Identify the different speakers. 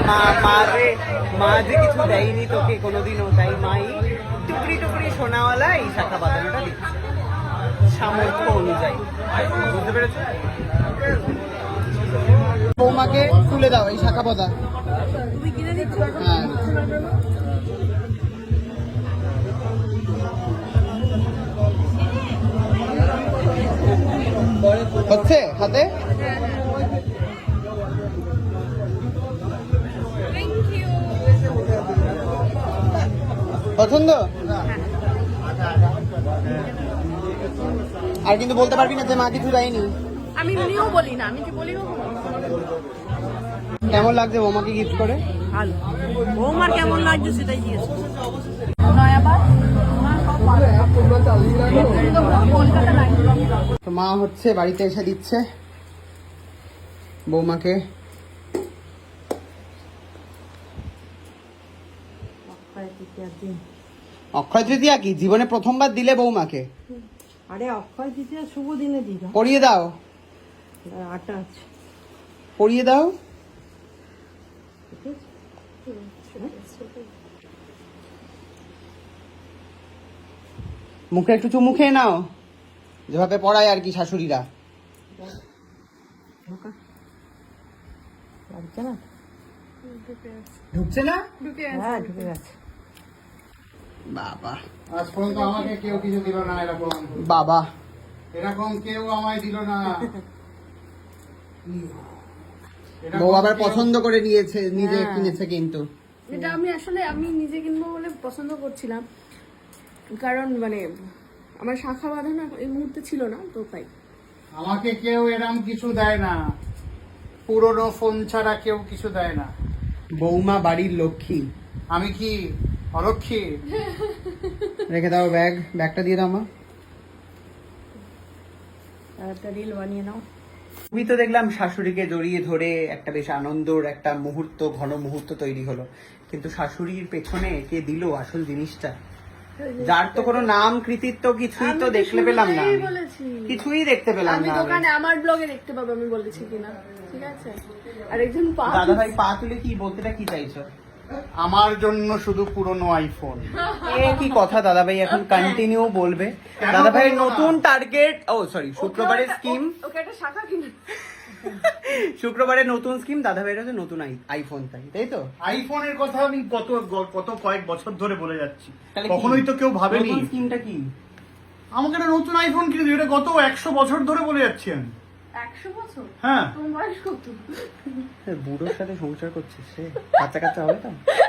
Speaker 1: মা যে কিছু দেয়নি তোকে কোনোদিনও, তাই মাই টুকরি টুকরি সোনাওয়ালা এই শাখা বাঁধানোটা দিচ্ছে সামর্থ্য অনুযায়ী। বুঝতে পেরেছো? বৌমাকে তুলে দাও এই শাখা বাঁধা। হ্যাঁ, হচ্ছে হাতে। পছন্দ? আর কিন্তু বলতে পারবি না যে মা কিছু দেয়নি।
Speaker 2: আমি এমনিও বলি না, আমি কি বলি না।
Speaker 1: কেমন লাগছে বৌমাকে গিফট করে?
Speaker 2: ভালো। বৌমার কেমন লাগছে সেটাই জিজ্ঞেস করছি।
Speaker 1: তো মা হচ্ছে বাড়িতে এসে দিচ্ছে বৌমাকে। অক্ষয় তৃতীয়া কি জীবনে প্রথমবার দিলে বৌমাকে?
Speaker 2: আরে অক্ষয় তৃতীয়া শুভ দিনে দিবা।
Speaker 1: পরিয়ে দাও,
Speaker 2: আটা আছে,
Speaker 1: পরিয়ে দাও। মুখে একটু চুমু খেয়ে নাও, যেভাবে পড়ায় আর কি শাশুড়িরা। ঢুকছে না?
Speaker 2: হ্যাঁ ঢুকে গেছে।
Speaker 1: বাবা,
Speaker 3: আজ পর্যন্ত আমাকে কেউ কিছু দিল না এরকম।
Speaker 1: বাবা
Speaker 3: এরকম কেউ আমায় দিল না।
Speaker 1: বউ আবার পছন্দ করে নিয়েছে, নিজে কিনেছে কিন্তু।
Speaker 2: এটা আমি নিজে কিনবো বলে পছন্দ করছিলাম, কারণ মানে আমার শাখা বাঁধানো এই মুহূর্তে ছিল না, তো তাই।
Speaker 3: আমাকে কেউ এরকম কিছু দেয় না, পুরনো ফোন ছাড়া কেউ কিছু দেয় না।
Speaker 1: বৌমা বাড়ির লক্ষ্মী।
Speaker 3: আমি কি অলক্ষ্মী?
Speaker 1: রেখে দাও ব্যাগটা দিয়ে দাও মা।
Speaker 2: আর একটা রিল বানিয়ে নাও।
Speaker 1: তুমি তো দেখলাম শাশুড়িকে জড়িয়ে ধরে একটা বেশ আনন্দর একটা মুহূর্ত, ঘন মুহূর্ত তৈরি হলো, কিন্তু শাশুড়ির পেছনে কে দিল আসল জিনিসটা, যার তো কোনো নাম কৃতিত্ব কিছুই তো দেখতে পেলাম না, কিছুই দেখতে পেলাম
Speaker 2: আমি
Speaker 1: না।
Speaker 2: দোকানে আমার ব্লগে দেখতে পাবো আমি বলেছি কিনা, ঠিক আছে? আর একজন
Speaker 1: দাদা ভাই পা তুলে কি বলতেটা কি চাইছো?
Speaker 3: আমার জন্য শুধু পুরনো আইফোন।
Speaker 1: এ কি কথা দাদা ভাই, এখন কন্টিনিউ বলবে। দাদা ভাইয়ের নতুন টার্গেট, ও সরি, শুক্রবারের স্কিম,
Speaker 2: ওকে একটা শাখা কিনে।
Speaker 1: শুক্রবারের নতুন স্কিম, দাদা ভাইয়ের হচ্ছে নতুন আইফোন, তাই তো?
Speaker 3: আইফোনের কথা আমি কত কয়েক বছর ধরে বলে যাচ্ছি,
Speaker 1: তাহলে কি?
Speaker 3: কখনোই তো কেউ ভাবেনি।
Speaker 1: নতুন স্কিমটা কি?
Speaker 3: আমাকে একটা নতুন আইফোন কিনে দিও, এটা গত 100 বছর ধরে বলে যাচ্ছি আমি।
Speaker 2: 100 বছর?
Speaker 3: হ্যাঁ।
Speaker 2: তোমার বয়স কত?
Speaker 1: বুড়োর সাথে সংসার করছিস রে, বাচ্চা কাচ্চা হবে তো?